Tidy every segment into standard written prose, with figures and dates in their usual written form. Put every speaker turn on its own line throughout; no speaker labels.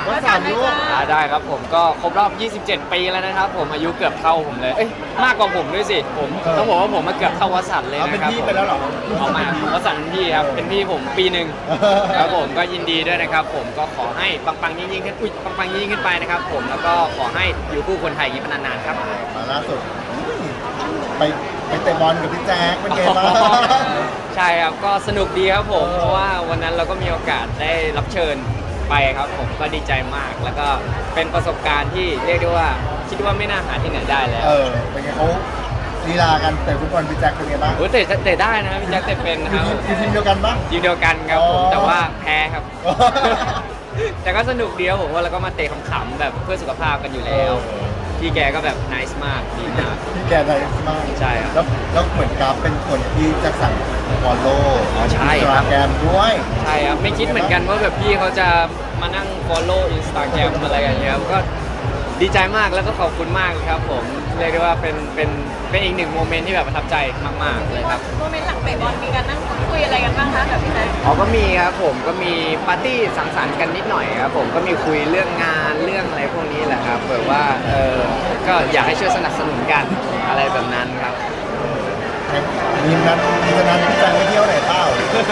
ว่าสามลูก
ได้ครับผมก็ครบรอบ 27 ปีแล้วนะครับผมอายุเกือบเท่าผมเลย เอ้ยมากกว่าผมด้วยสิผมต้องบอกว่าผมมาเกือบเท่าวสันต์เลย
เอาเป็น
นะครับ
พี่ไปแล้วเหรอ
เอามาวสันต์เป็นพี่ครับเป็นพี่ผมปีหนึ่งครับผมก็ยินดีด้วยนะครับผมก็ขอให้ปังๆยิ่งๆขึ้นปังๆยิ่งๆขึ้นไปนะครับผมแล้วก็ขอให้อยู่คู่คนไทยอย่างนี้เป็นนานๆครับ
มาล่าสุดไปไปเตะบอลกับพี่แจ๊คเป็นไงบ้าง
ใช่ครับก็สนุกดีครับผม
เออ
เพราะว่าวันนั้นเราก็มีโอกาสได้รับเชิญไปครับผมก็ดีใจมาก แล้วก็เป็นประสบการณ์ที่เรียกได้ว่าคิดว่าไม่น่าหาที่ไหนได้แล้ว
เป็นไงเขาลีลากันเตะฟุตบอลพี่แจ๊คเป็นไงบ้าง
โอ้ยเตะได้นะพี่แจ็คเตะเป็น
อ
ค
ยู่
รับ
ทีมเดียวกันปะ
ทีมเดียวกันครับผม
อ๋อ
แต่ว่าแพ้ครับ แต่ก็สนุกดีครับผมว่าเราก็มาเตะขำๆแบบเพื่อสุขภาพกันอยู่แล้วพี่แกก็แบบนิสมากดีมาก
พี่แกไนส์มาก
ใช่ครับ
แล้วเหมือนกราฟเป็นคนที่จะสั่งฟอลโล่
อ๋อใช่
อินส
ครั
ตา
บ
แกรมด้วย
ใช่ครับไม่คิดเหมือนกันว่าแบบพี่เขาจะมานั่ง follow Instagram อะไรอย่างเงี้ยก็ดีใจมากแล้วก็ขอบคุณมากเลยครับผมเรียกได้ว่าเป็นอีกหนึ่งโมเมนต์ที่แบบประทับใจมากๆเลยครับ
โมเมนต์หลังเตะบอลมีการนั่งพูดคุยอะไรกันบ้างคะกับพี่แจ๊ค
อ๋อก็มีครับผมก็มีปาร์ตี้สังสรรค์กันนิดหน่อยครับผมก็มีคุยเรื่องงานเรื่องอะไรพวกนี้แหละครับแบบว่าก็อยากให้ช่วยสนับสนุนกันอะไรแบบนั้นครับ
มีฉะนั้นพี่แจ๊คไปเที่ยวไหนเปล่าร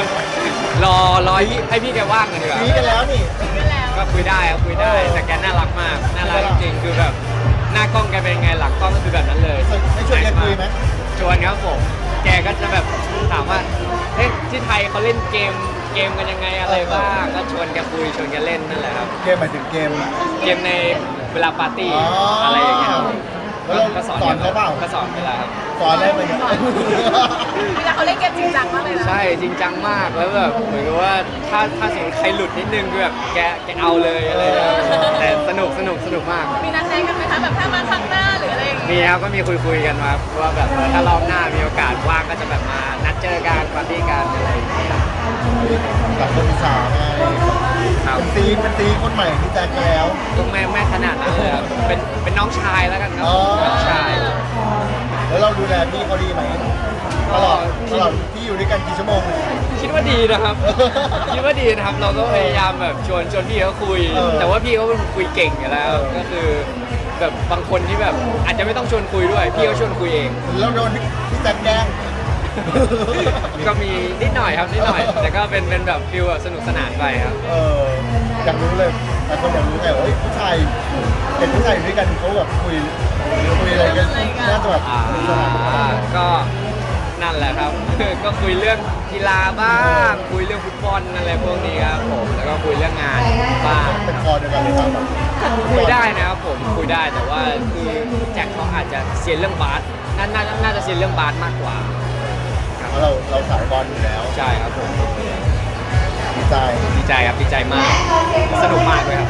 อให้พี่แกว่างกันดีกว่า
มีกันแล้วนี่
ก็แล้ว
ก็คุยได้ครับคุยได้แต่แกน่ารักมากน่ารักจริงๆคือแบบหน้ากล้องแกเป็นยังไงหลังกล้องก็คือแบบนั้นเลย
ให้ชวนแกคุยไหม
ชวนครับผมแกก็จะแบบถามว่าเฮ้ยที่ไทยเขาเล่นเกมกันยังไงอะไรบ้างก็ชวนแกคุยชวนแกเล่นนั่นแหละครับ
เกมหมายถึงเกม
เกมในเวลาปาร์ตี้
อ๋ออ
อะไรอย่างเงี้ยครับ
แล้วเรา
ก็สอน
สอนเขาเปล่า
ก็สอนเวลาครับ
สอนอะไรไปเนี่ย
เวลาเขาเล่นเกมจริงจังมากเลยนะ
ใช่จริงจังมากแล้วแบบเหมือนกับว่าถ้าสมมติใครหลุดนิดนึงคือแบบแกเอาเลยอะไรอย่างเงี้ยแต่สนุกมาก
มีนัดแนะกันไหมคะแบบถ้ามาครั้งหน้าหรืออะไรอย่าง
มี
เงี้ย
ครับก็มีคุยกันมาว่าแบบถ้ารอบหน้ามีโอกาสว่างก็จะแบบมานัดเจอกันปาร์ตี้กันอะไรอย่างเงี้ย
กับคนอีสานไง
ครับ
เป็นตีคนใหม่ที่แจ็คแล้ว
ต้องแม่ขนาดนั้นเลยครับเป็นน้องชายแล้วกันครับ
อ๋อ
น้องชาย
แล้วเราดูแลพี่เขาดีไหมตลอดที่อยู่ด้วยกันกี่ชั่วโมงเนี่ย
คิดว่าดีนะครับคิดว่าดีนะครับเราก็พยายามแบบชวนพี่เขาคุย
เออ
แต่ว่าพี่เขาเป็นคนคุยเก่งอยู่แล้ว ก็คือแบบบางคนที่แบบอาจจะไม่ต้องชวนคุยด้วยพี่เขาชวนคุยเอง
แล้วโดนพี่แจ็คแกล้ง
ก็มีนิดหน่อยครับนิดหน่อย แต่ก็เป็นแบบฟิลแบบสนุกสนานไปครับ
อยากรู้เลยแต่คนอยากรู้ไงว่าเฮ้ยผู้ชายเห็นผู้ชายอยู่ด้วยกันเขาแบบคุยอะไรกันน่าจะแบบ
อ่า
สนุกสนาน
ก็นั่นแหละครับ ก็คุยเรื่องกีฬาบ้าง คุยเรื่องฟุตบอลอะไรพวกนี้ครับผมแล้วก็คุยเรื่องงานบ้าง
เป็นคอเดียวกันเลยครับแบบ
คุยได้นะครับผมคุยได้แต่ว่าคือแจ็คเขาอาจจะเซียนเรื่องบาสน่าจะเซียนเรื่องบาสมากกว่า
เพราะเราสายบอลอยู่แล้ว
ใช่ครับผม
ดีใจ
ดีใจครับดีใจมากสนุกมากเลยครับ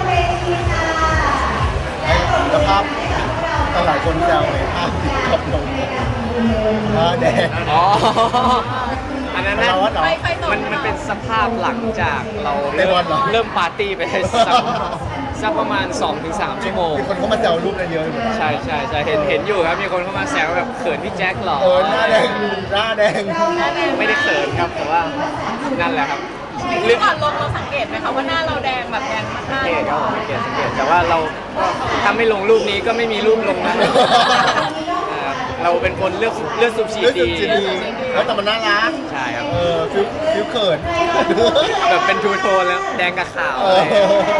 แล้วภาพหลายคนแซวในภาพติดกับลงแดง
อ๋ออันนั้นน่ะ
เราว่าเหรอ
ไฟตก
มันเป็นสภาพหลังจากเรา
เตะบอลเหรอ
เริ่มปาร์ตี้ไปได้สักประมาณ 2-3 ชั่วโมง
มีคนเข้ามาแซวรูปนั้นเยอะอยู่
ใช่เห็นอยู่ครับมีคนเข้ามาแซวแบบเขินพี่แจ็คเหรอ
หน้าแดงหน้าแดง
ไม่ได้เขินครับแต่ว่านั่นแหละครับ
เรื่องก่อนลงเราสังเกตไหมคะว่าหน้าเราแดงแบบแดงมาก
สังเกตครับผมสังเกตแต่ว่าเราก็ถ้าไม่ลงรูปนี้ก็ไม่มีรูปลงนะเราเป็นคนเลือกสูบฉีด
เรื่อง
ดี
สุดจะดีแต่มันน่ารัก
ใช่ครับ
ฟิวเขิน
แบบเป็นทูโทนแล้วแดงกับขาว
เอ
อะไร
อ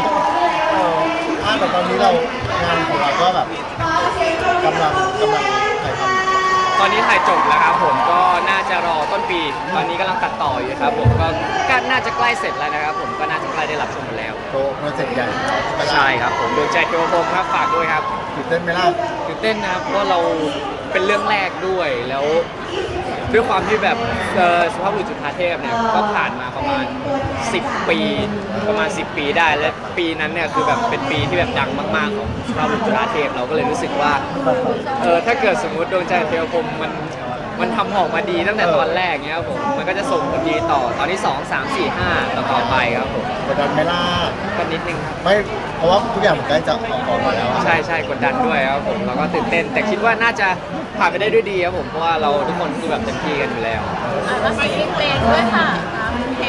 แต่ตอนนี้เรางานของเราก็แบบกำลังถ่ายทำ
ตอนนี้ถ่ายจบแล้วครับผมก็น่าจะรอต้นปี ตอนนี้กำลังตัดต่ออยู่ครับผมก็น่าจะใกล้เสร็จแล้วนะครับผมก็น่าจะใกล้ได้รับชมกันแล้ว
โปรเจกต์ใหญ่
ใช่ครับผมดวงใจเทวพรหมครับฝากด้วยครับ
ตื่นเต้นไหมล่ะ
ตื่นเต้นนะครับเพราะว่าเราเป็นเรื่องแรกด้วยแล้วด้วยความที่แบบสุภาพบุรุษจุฑาเทพเนี่ยก็ผ่านมาประมาณ 10 ปีประมาณ 10 ปีได้และปีนั้นเนี่ยคือแบบเป็นปีที่แบบดังมากๆของสุภาพบุรุษจุฑาเทพเราก็เลยรู้สึกว่าถ้าเกิดสมมุติดวงใจเทวพรหมมันทำออกมาดีตั้งแต่ตอนแรกเงี้ยครับผมมันก็จะส่งผลดีต่อตอนที่ 2 3 4 5 ต่อไปครับผม
กดดันไหมล่ะ
ก็นิดนึงครับ
ไม่เพราะว่าทุกอย่างมันใกล้จะออกมาแล้วอะ
ใช่กดดันด้วยครับผมเราก็ตื่นเต้น แต่คิดว่าน่าจะผ่านไปได้ด้วยดีครับผมเพราะว่าเราทุกคนคือแบบเต็มที่กันอยู่แล้ว
ๆแล้วมีเพลงด้วยค่ะเพลง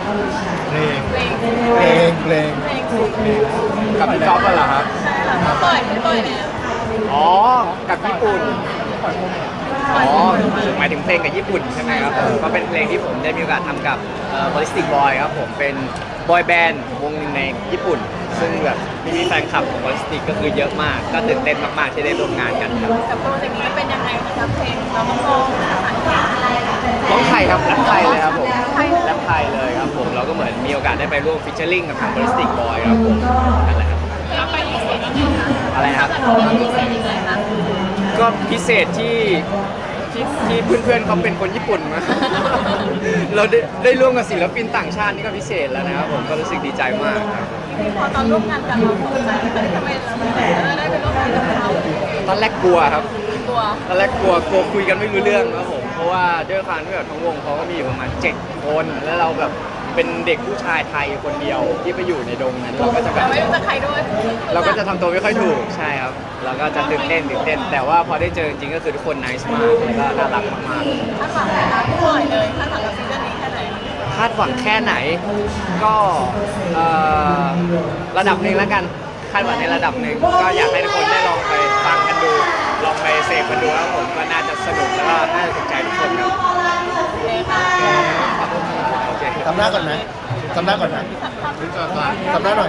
เพลง
เพลง
เพลงเพลง
เพลง
กับพี่จ๊อบเหรอครับ
ใช่ค่ะปล่อยแล้ว
อ๋อ กับญี่ปุ่น อ๋อ หมายถึงเพลงกับญี่ปุ่นใช่ไหมครับผมก็เป็นเพลงที่ผมได้มีโอกาสทำกับBallistic Boy ครับผมเป็นบอยแบนด์วงหนึ่งในญี่ปุ่น ซึ่งแบบมีแฟนคลับของ Ballistic ก็คือเยอะมาก ก็ตื่นเต้นมากๆที่ได้ร่วมงานกันครับ
กับโปรเจกต์นี้เป็นยังไงนะครับเพลงเราต้องร้องภาษาอังกฤษ
ร้องไทยครับแรปไทยเลยครับผมแรปไทยเลยครับผมเราก็เหมือนมีโอกาสได้ไปร่วมฟิชเชอร์ลิงกับทาง Ballistic Boy ครับผมนั่นแหละครับ
เราไปพิเศษยังไงคะ
อะไรนะครับ
เราพิเศษยังไงคะ
ก็พิเศษที่เพื่อนๆเขาเป็นคนญี่ปุ่นมา เราได้ร่วมกับศิลปินต่างชาตินี่ก็พิเศษแล้วนะครับผมก็รู้สึกดีใจมากครับ
พอตอนร่วมงานกันเราตกใจไหมทำไมเราได้ไปร่วมงานกับเขา
ตอนแรกกลัวครับ
กลัว
ตอนแรกกลัวคุยกันไม่รู้เรื่องครับผมเพราะว่าด้วยความที่แบบทั้งวงเขาก็มีอยู่ประมาณ7 คนแล้วเราแบบเป็นเด็กผู้ชายไทยคนเดียวที่ไปอยู่ในดงนั้นเราก็จะแบ
แต่
บ
ไม่รู้จะใครด้วย
เราก็จะทำตัวไม่ค่อยถูกใช่ครับเราก็จะตื่นเต้นแต่ว่าพอได้เจอจริงๆก็คือทุกคนน่ารักมากแล้วก็น่ารักมากๆ
คาดหวังไหมคะพี่ปล่อยเลยคาดหวังกับซิงเกิลนี้แค่ไหน
คาดหวังแค่ไหนก็ระดับหนึ่งแล้วกันคาดหวังในระดับหนึ่งก็อยากให้ทุกคนได้ลองไปฟังกันดูลองไปเสพกันดูแล้วผมก็น่าจะสนุกแล้วก็น่าจะถูกใจทุกคนครับ
โอเคค่ะ
โอเค
ทำหน้าก่อนไหมทำหน้าก่อนนะทำหน้าหน่อย